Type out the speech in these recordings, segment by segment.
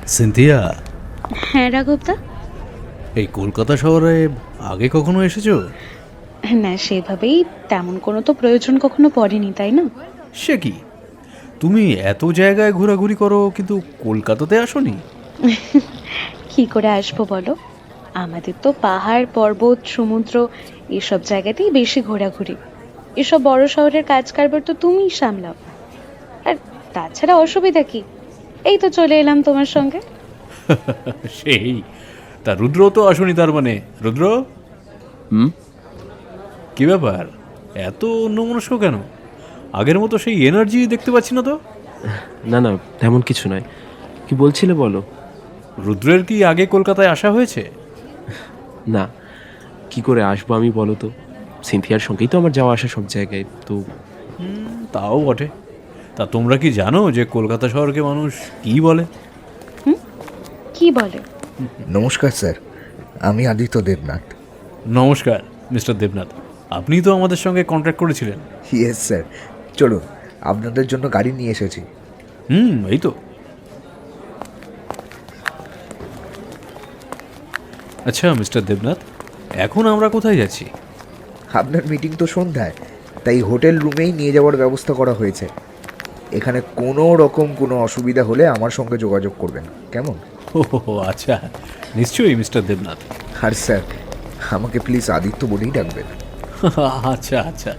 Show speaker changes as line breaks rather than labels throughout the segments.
Cynthia,
হ্যাঁ রাঘবদা।
এই কলকাতা শহরে আগে কখনো এসেছো?
না, সেভাবেই তেমন কোনো তো প্রয়োজন কখনো পড়েনি, তাই না?
সে কি, তুমি এত জায়গায় ঘোরাঘুরি করো কিন্তু কলকাতাতে আসোনি?
কি করে আসবো বলো? আমাদের তো পাহাড় পর্বত সমুদ্র এসব জায়গাতেই বেশি ঘোরাঘুরি। এসব বড় শহরের কাজ কারবার তো তুমিই সামলাও। আর তাছাড়া অসুবিধা কি? এই তো চলে এলাম তোমার সঙ্গে।
সেই, তা রুদ্র তো আসোনি তার মানে? রুদ্র, কি ব্যাপার, এত অন্যমনস্ক কেন? আগের মতো সেই এনার্জি দেখতে পাচ্ছি না তো।
না না, তেমন কিছু নয়। কি বলছিলে বলো।
রুদ্রের কি আগে কলকাতায় আসা হয়েছে?
না, কি করে আসবো আমি বলো তো? সিনথিয়ার সঙ্গেই তো আমার যাওয়া আসা সব জায়গায় তো।
তাও বটে। তা তোমরা কি জানো যে কলকাতা শহরকে মানুষ কি বলে?
কি বলে?
নমস্কার স্যার, আমি আদিত্য দেবনাথ।
নমস্কার মিস্টার দেবনাথ, আপনি তো আমাদের সঙ্গে কন্ট্যাক্ট করেছিলেন।
ইয়েস স্যার, চলুন আপনাদের জন্য গাড়ি নিয়ে এসেছি।
এই তো। আচ্ছা মিস্টার দেবনাথ, এখন আমরা কোথায় যাচ্ছি?
আপনার মিটিং তো সন্ধ্যায়, তাই হোটেল রুমেই নিয়ে যাওয়ার ব্যবস্থা করা হয়েছে। এখানে কোনো রকম কোনো অসুবিধা হলে আমার সঙ্গে যোগাযোগ করবেন, কেমন?
ও আচ্ছা, নিশ্চয়ই মিস্টার দেবনাথ।
আর স্যার, আমাকে প্লিজ আদিত্য বলেই ডাকবেন।
আচ্ছা আচ্ছা।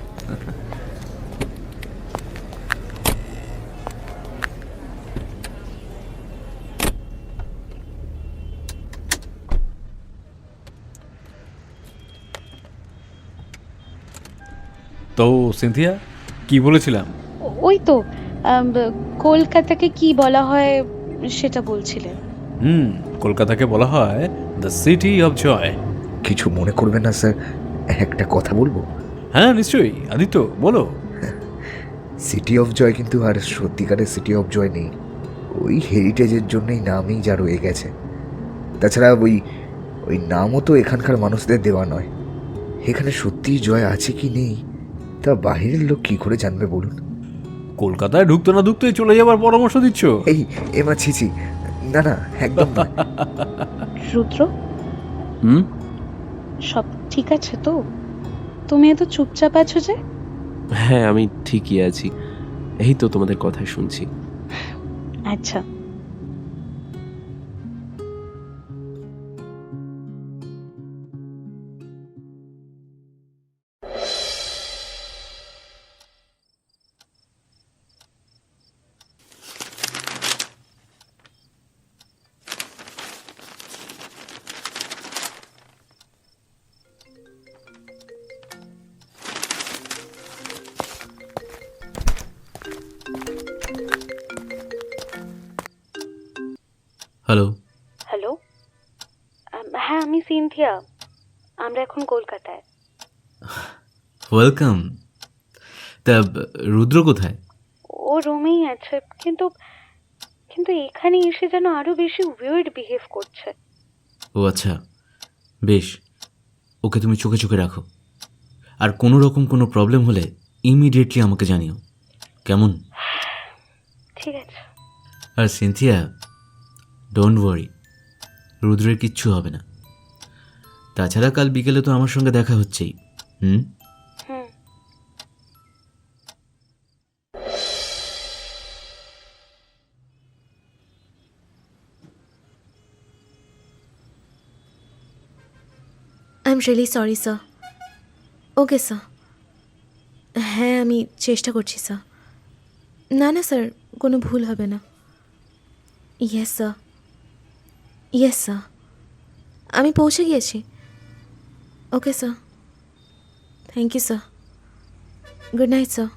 তো সিনথিয়া, কি বলেছিলাম?
ওই তো কলকাতাকে কি বলা হয় সেটা বলছিলেন।
কলকাতাকে বলা হয় দ্য সিটি অফ জয়।
কিছু মনে করবেন না স্যার, একটা কথা বলবো?
হ্যাঁ নিশ্চয়ই আদিত্য, বলো।
সিটি অফ জয় কিন্তু আর সত্যিকারের সিটি অফ জয় নেই। ওই হেরিটেজের জন্যই নামই যা রয়ে গেছে। তাছাড়া ওই ওই নামও তো এখানকার মানুষদের দেওয়া নয়। এখানে সত্যিই জয় আছে কি নেই তা বাহিরের লোক কি করে জানবে বলুন?
কলকাতায় ঢুকতে না ঢুকতেই চলে যাবার পরামর্শ দিচ্ছ?
এই এমা ছিছি, না না, একদম না।
রুদ্র,
হুম,
সব ঠিক আছে তো? তুমি এত চুপচাপ আছো যে?
হ্যাঁ আমি ঠিকই আছি। এই তো তোমাদের কথা শুনছি।
আচ্ছা।
হ্যালো।
হ্যালো, হ্যাঁ আমি সিনথিয়া। আমরা এখন কলকাতায়।
ওয়েলকাম। তা রুদ্র কোথায়?
ও রুমেই আছে, কিন্তু কিন্তু এখানে এসে যেন আরো বেশি উইয়ার্ড বিহেভ করছে।
ও আচ্ছা, বেশ, ওকে তুমি চোখে চোখে রাখো, আর কোনো রকম কোনো প্রবলেম হলে ইমিডিয়েটলি আমাকে জানিও, কেমন?
ঠিক আছে।
আর সিনথিয়া, ডোন্ট ওয়ারি, রুদ্রের কিচ্ছু হবে না। তাছাড়া কাল বিকেলে তো আমার সঙ্গে দেখা হচ্ছেই।
হুম।
I am really sorry sir. Okay sir, হ্যাঁ আমি চেষ্টা করছি স্যার। না না স্যার, কোনো ভুল হবে না। ইয়েস স্যার, ইয়েস স্যার, আমি পৌঁছে গিয়েছি। Okay sir, thank you sir, good night sir.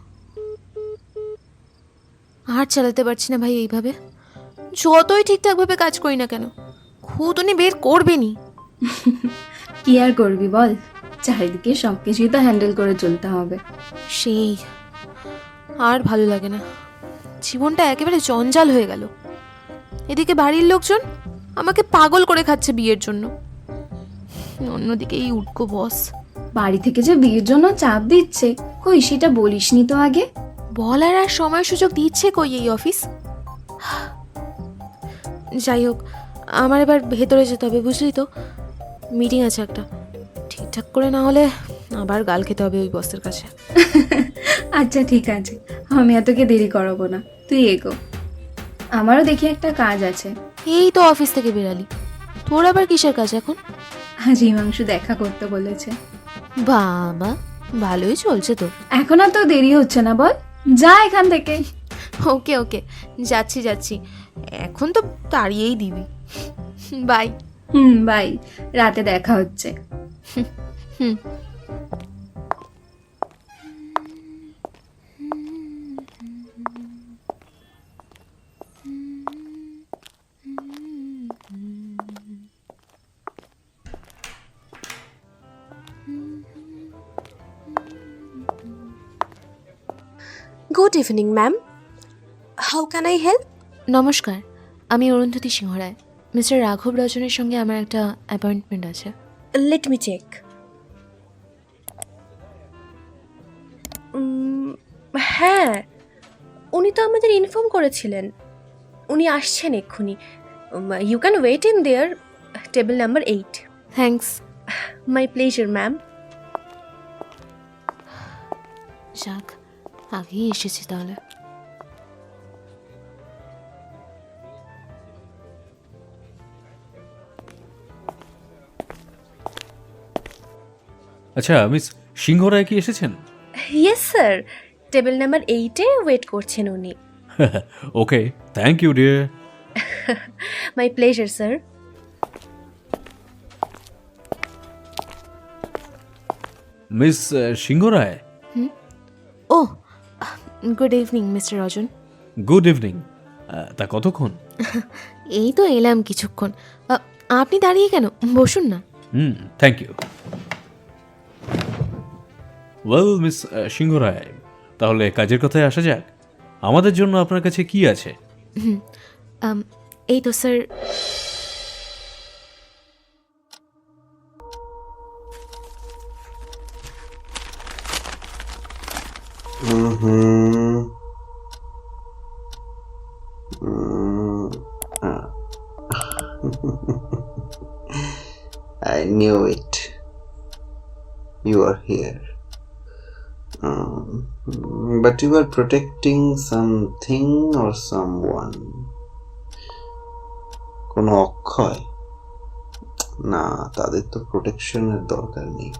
আর চালাতে পারছি না ভাই এইভাবে। যতই ঠিকঠাকভাবে কাজ করি না কেন, খুঁতনি বের করবেনি।
কি আর করবি বল, চারিদিকে সব কিছুই তো হ্যান্ডেল করে চলতে হবে।
সেই আর ভালো লাগে না, জীবনটা একেবারে জঞ্জাল হয়ে গেল। এদিকে বাড়ির লোকজন আমাকে পাগল করে খাচ্ছে বিয়ের জন্য, অন্যদিকে এই উটকো বস
বাড়ি থেকে যে বিয়ের জন্য চাপ দিচ্ছে, কই সেটা বলিসনি তো আগে।
বলার আর সময় সুযোগ দিচ্ছে কই এই অফিস। যাই হোক, আমার এবার ভেতরে যেতে হবে, বুঝলি তো? মিটিং আছে একটা, ঠিকঠাক করে না হলে আবার গাল খেতে হবে ওই বসের কাছে।
আচ্ছা ঠিক আছে, আমি আর তোকে দেরি করাবো না, তুই এগো। আমারও দেখি একটা কাজ আছে।
এই তো অফিস থেকে বেরালি, তোর আবার কিসের কাজ এখন?
আজ হিমাংশু দেখা করতে বলেছে।
বাবা, ভালোই চলছে তোর।
এখন আর তো দেরি হচ্ছে না, বল যা এখান থেকে।
ওকে ওকে, যাচ্ছি যাচ্ছি, এখন তো তাড়িয়েই দিবি। বাই।
বাই, রাতে দেখা হচ্ছে।
হুম।
Good evening, ma'am. How can I help?
নমস্কার, আমি অরুন্ধতী সিংহ রায়। মিস্টার রাঘব রজনের সঙ্গে আমার একটা অ্যাপয়েন্টমেন্ট আছে।
Let me check. হ্যাঁ, উনি তো আমাদের ইনফর্ম করেছিলেন উনি আসছেন এক্ষুনি। You can wait in there, table number 8.
Thanks.
My pleasure ma'am.
যাক, আগেই এসেছি তাহলে।
আচ্ছা মিস সিংহ রায় কি এসেছেন?
ইয়েস স্যার, টেবিল নাম্বার 8-এ ওয়েট করছেন উনি।
Okay, thank you dear.
My pleasure sir.
Miss সিংহ রায়,
ও, good evening mister Rajan.
Good evening. তা কতক্ষণ?
এই তো এলাম কিছুক্ষণ। আপনি দাঁড়িয়ে কেন, বসুন না।
Thank you. ওয়েল মিস সিংহ রায়, তাহলে কাজের কথায় আসা যাক। আমাদের জন্য আপনার কাছে কি আছে?
এই তো sir,
I knew it. You are here. But you are protecting something or someone. কোনো অক্ষয়? না, তাদের তো প্রোটেকশনের দরকার নেই।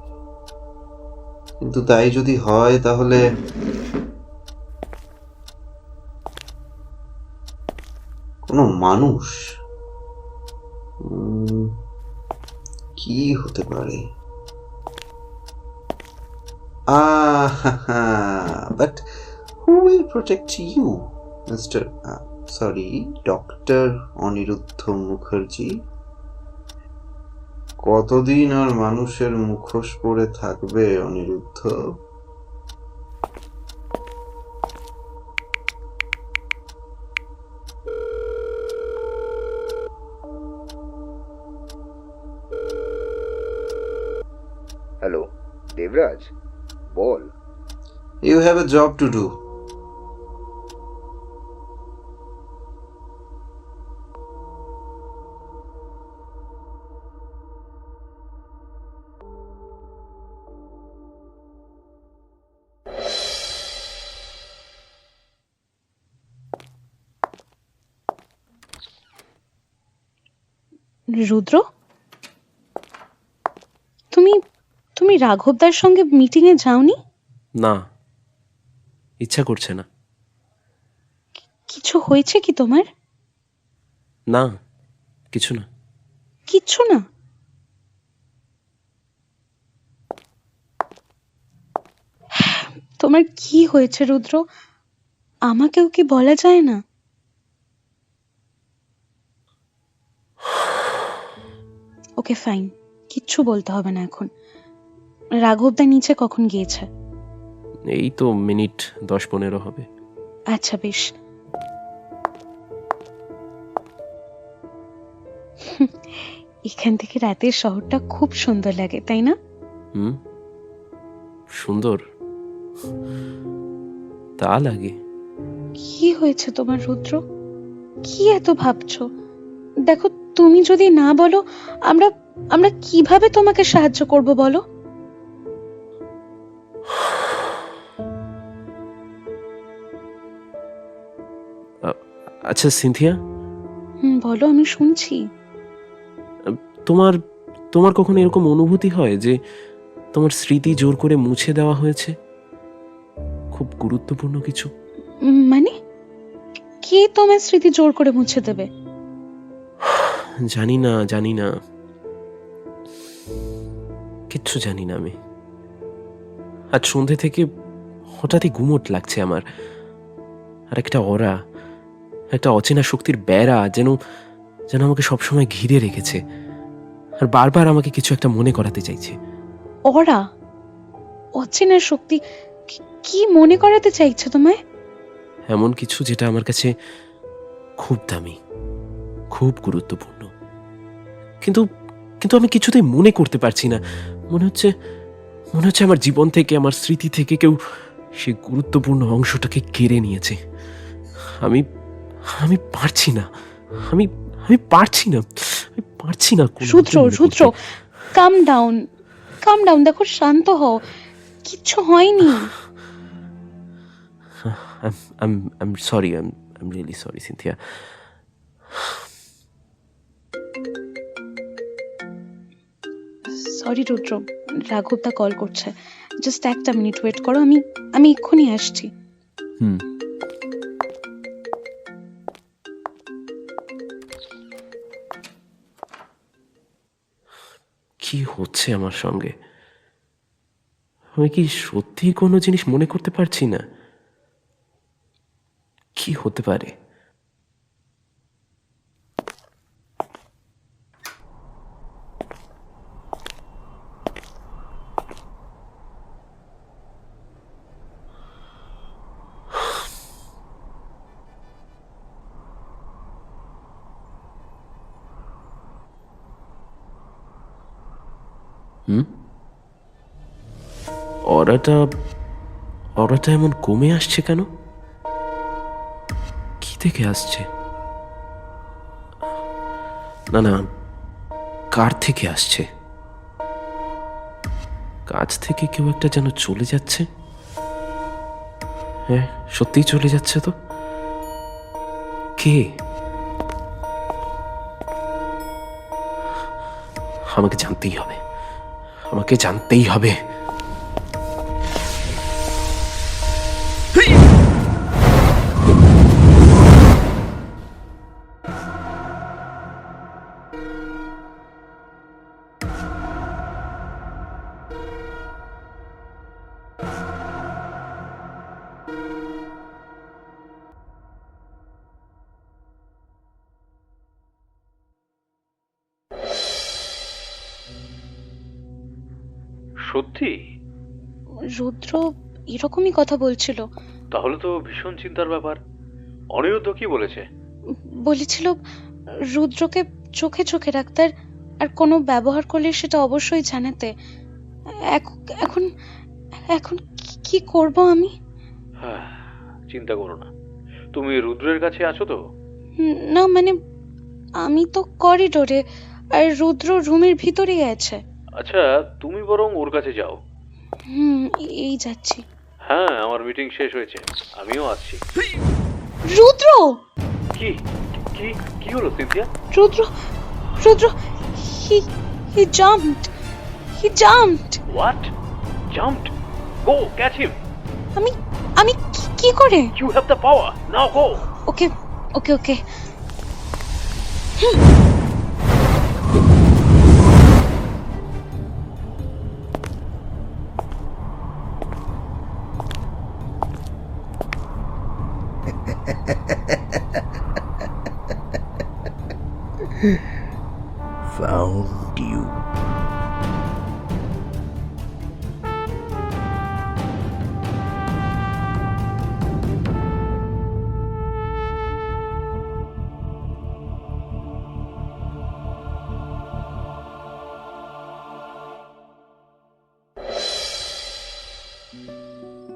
কিন্তু তাই যদি হয় তাহলে কোনো মানুষ কি হতে পারে? But who will protect you, Mr. Dr. Aniruddha Mukherjee? কতদিন আর মানুষের মুখোশ পরে থাকবে অনিরুদ্ধ?
হ্যালো দেবরাজ, বল।
You have a job to do.
Rudra, তুমি তুমি রাঘবদার সঙ্গে মিটিংয়ে যাওনি?
না, ইচ্ছা করছে না।
কিছু হয়েছে কি তোমার?
না, কিছু না।
কিচ্ছু না? তোমার কি হয়েছে রুদ্র? আমাকেও কি বলা যায় না? ওকে ফাইন, কিচ্ছু বলতে হবে না এখন। রাঘবদা নিচে কখন গিয়েছে?
এই তো মিনিট 10-15 হবে।
আচ্ছা বেশ। এখান থেকে রাতের শহরটা খুব সুন্দর লাগে, তাই না?
সুন্দর তা লাগে।
কি হয়েছে তোমার রুদ্র? কি এত ভাবছো? দেখো, তুমি যদি না বলো, আমরা আমরা কিভাবে তোমাকে সাহায্য করব বলো?
আচ্ছা সিনথিয়া,
বলো, আমি শুনছি।
তোমার তোমার কখনো এরকম অনুভূতি হয় যে তোমার স্মৃতি জোর করে মুছে দেওয়া হয়েছে? খুব গুরুত্বপূর্ণ কিছু।
মানে কে তোমার স্মৃতি জোর করে মুছে দেবে?
জানি না, কিচ্ছু জানি না আমি। আজ সন্ধে থেকে হঠাৎই গুমোট লাগছে আমার। আর একটা অরা, একটা অচেনা শক্তির বেড়া যেন যেন আমাকে সবসময় ঘিরে রেখেছে, আর বারবার আমাকে কিছু একটা মনে করাতে চাইছে।
ওরা অচেনা শক্তি? কি মনে করাতে চাইছে তোমায়?
এমন কিছু যেটা আমার কাছে খুব দামি, খুব গুরুত্বপূর্ণ, কিন্তু কিন্তু আমি কিছুতেই মনে করতে পারছি না। মনে হচ্ছে আমার জীবন থেকে, আমার স্মৃতি থেকে কেউ সেই গুরুত্বপূর্ণ অংশটাকে কেড়ে নিয়েছে। আমি আমি পারছি না, আমি আমি পারছি না, আমি পারছি না।
Rudra, come down. দেখো, শান্ত হও, কিচ্ছু হয়নি।
I'm sorry, I'm really sorry, Cynthia.
Sorry Rudra, রাঘবদা কল করছে। জাস্ট একটা মিনিট ওয়েট করো, আমি এক্ষুনি আসছি।
কি হচ্ছে আমার সঙ্গে? আমি কি সত্যি কোনো জিনিস মনে করতে পারছি না? কি হতে পারে? অরাটা এমন কমে আসছে কেন? কি থেকে আসছে? না, কার থেকে আসছে? কাছ থেকে কেউ একটা যেন চলে যাচ্ছে। হ্যাঁ, সত্যিই চলে যাচ্ছে তো। কে? আমাকে জানতেই হবে।
সত্যি?
রুদ্র এরকমই কথা বলছিল।
তাহলে তো ভীষণ চিন্তার ব্যাপার। অনিরুদ্ধ কি বলেছে?
বলেছিল রুদ্রকে চোখে চোখে রাখতে, আর কোনো ব্যবহার করলে সেটা অবশ্যই জানাতে। এখন এখন কি করব আমি?
চিন্তা করো না, তুমি রুদ্রের কাছে আছো তো?
না, মানে আমি তো করিডোরে, আর রুদ্র রুমের ভিতরেই আছে।
আচ্ছা, তুমি বরং ওর কাছে যাও।
এই যাচ্ছি।
হ্যাঁ, আমার মিটিং শেষ হয়েছে, আমিও আসছি।
রুদ্র!
কি কি কি হলো Cynthia?
Rudra, he jumped.
What? Jumped? Go catch him.
আমি কি করে?
You have the power. Now go.
Okay.
Found you.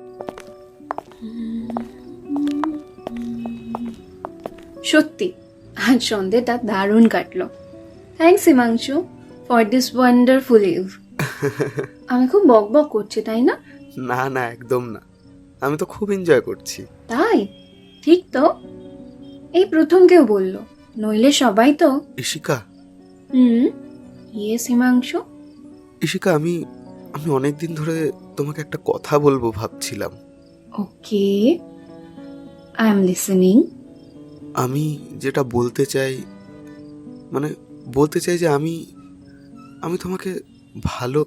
সত্যি আজ সন্ধ্যেটা দারুণ কাটলো। Thanks Himanshu for this wonderful eve. আমি খুব বক বক করছি তাই না?
না না, একদম না, আমি তো খুব এনজয় করছি।
তাই? ঠিক তো, এই প্রথম কেউ বলল, নইলে সবাই তো।
ইশিকা,
ইয়েস হিমাংশু।
ইশিকা, আমি অনেক দিন ধরে তোমাকে একটা কথা বলবো ভাবছিলাম।
Okay, I am listening.
আমি যেটা বলতে চাই, মানে বলতে চাই যে আমি তোমাকে ভালো।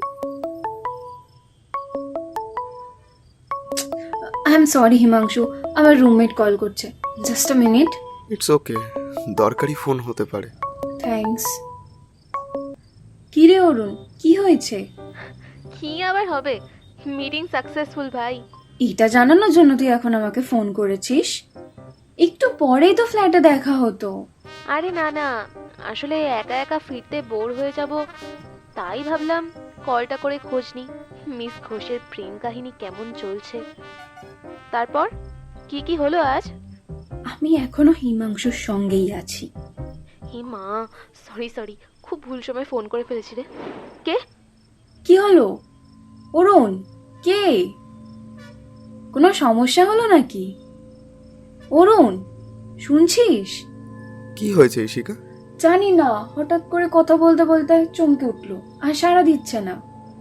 আই এম সরি হিমাংশু, আমার রুমমেট কল করছে। Just a minute.
It's okay, দরকারি ফোন হতে পারে।
থ্যাঙ্কস। কি রে অরুণ, কি হয়েছে?
কি আবার হবে, মিটিং সাকসেসফুল ভাই।
এটা জানানোর জন্য তুই এখন আমাকে ফোন করেছিস? একটু পরেই তো ফ্ল্যাটে দেখা হতো।
আরে না না, আসলে একা একা ফিরতে বোর হয়ে যাব, তাই ভাবলাম কলটা করে খোঁজ নি মিস ঘোষের প্রেম কাহিনী কেমন চলছে। তারপর কি কি হলো আজ?
আমি এখনো হিমাংশুর সঙ্গেই আছি।
হে মা, সরি সরি, খুব ভুল সময় ফোন করে ফেলেছি রে। কে?
কি হলো অরুণ? কে? কোনো সমস্যা হলো নাকি? অরুণ, শুনছিস?
কি হয়েছে ইশিকা?
জানি না, হঠাৎ করে কথা বলতে বলতে চমকে উঠলো আর সাড়া দিচ্ছে না।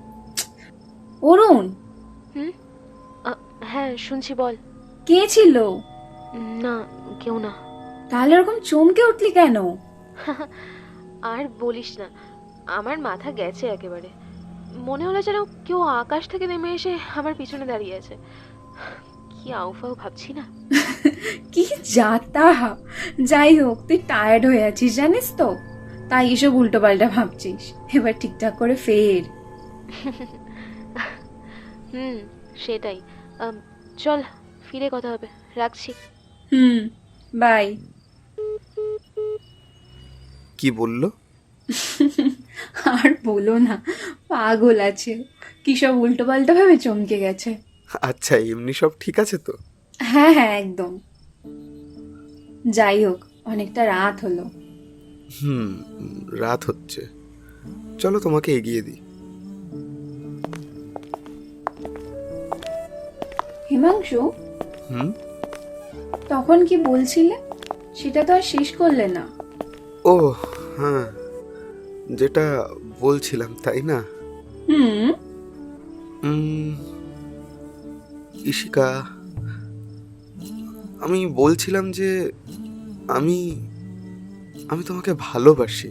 অরুণ।
হ্যাঁ শুনছি, বল।
কে ছিল?
না, কেউ না।
তাহলে এরকম চমকে উঠলি কেন?
আর বলিস না, আমার মাথা গেছে একেবারে। মনে হলো যেন কেউ আকাশ থেকে নেমে এসে আমার পিছনে দাঁড়িয়ে আছে। কি আউফাউ ভাবছি না।
কি যাতা। যাই হোক, তুই টায়ার্ড হয়ে আছিস জানিস তো, তাই এসব উল্টো পাল্টা ভাবছিস। এবার ঠিকঠাক করে ফের।
সেটাই। চল ফিরে কথা হবে, রাখছি।
বাই।
কি বললো?
আর বলো না, পাগল আছে, কি সব উল্টো পাল্টা ভাবে চমকে গেছে।
আচ্ছা, এমনি সব ঠিক আছে তো?
হ্যাঁ হ্যাঁ, একদম। যাই হোক, অনেকটা রাত হলো।
রাত হচ্ছে, চলো তোমাকে এগিয়ে দিই।
হিমাংশু, তখন কি বলছিলে, সেটা তো আর শেষ করলে না।
ও হ্যাঁ, যেটা বলছিলাম তাই না? ইশিকা, আমি বলছিলাম যে আমি তোমাকে ভালোবাসি।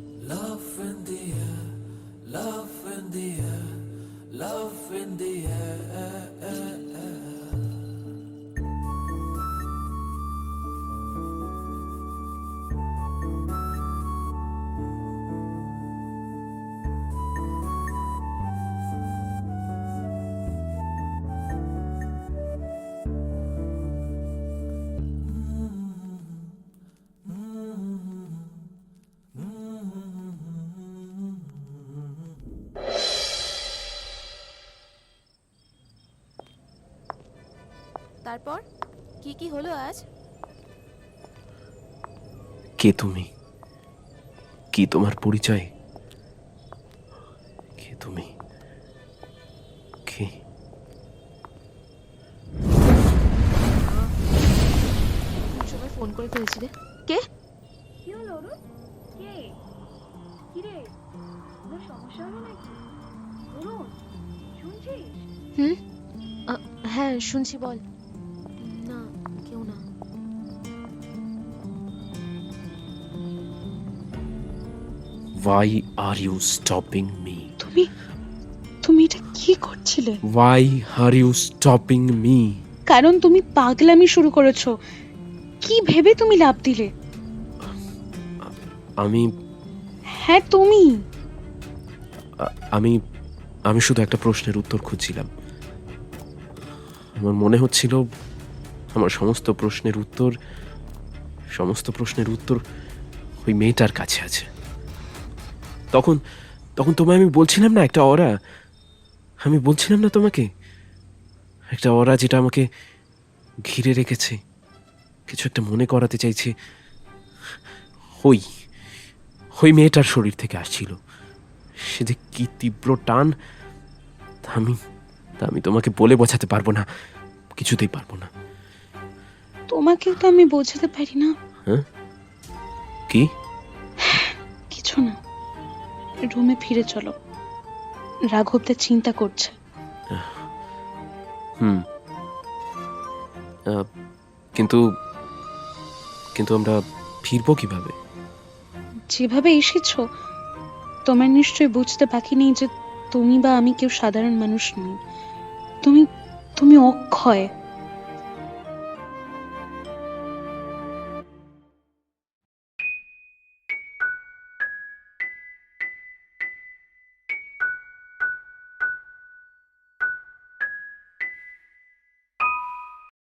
তারপর কি কি হলো আজ?
কে তুমি? কি তোমার পরিচয়? কে তুমি? কে?
সময় ফোন করে ফেলেছি রে। কে?
কি হলো অরুণ? কে? কি রে, কোনো সমস্যা হলো নাকি? অরুণ, শুনছিস?
হ্যাঁ শুনছি, বল। না, কেউ না।
Why are you stopping me?
তুমি এটা কি করছিলে?
Why are you stopping me?
কারণ তুমি পাগলামি শুরু করেছো। কি ভেবে তুমি লাভ দিলে?
আমি
হ্যাঁ তুমি।
আমি আমি শুধু একটা প্রশ্নের উত্তর খুঁজছিলাম। আমার মনে হচ্ছিল আমার সমস্ত প্রশ্নের উত্তর ওই মেয়েটার কাছে আছে। তখন তোমায় আমি বলছিলাম না একটা অরা, আমি বলছিলাম না তোমাকে একটা অরা যেটা আমাকে ঘিরে রেখেছে, কিছু একটা মনে করাতে চাইছে, ওই ওই মেয়েটার শরীর থেকে আসছিল। সে যে কি তীব্র টান তা আমি তোমাকে বলে বোঝাতে পারবো না, কিছুতেই পারবো না।
তোমাকে তো আমি বোঝাতে পারি না।
হ্যাঁ, কি?
কিছু না, রুমে ফিরে চলো, রাঘবটা চিন্তা করছে।
হুম, কিন্তু কিন্তু আমরা ফিরবো কিভাবে?
যেভাবে এসেছো, তোমার নিশ্চয়ই বুঝতে বাকি নেই যে তুমি বা আমি কেউ সাধারণ মানুষ নই। তুমি তুমি অক্ষয়।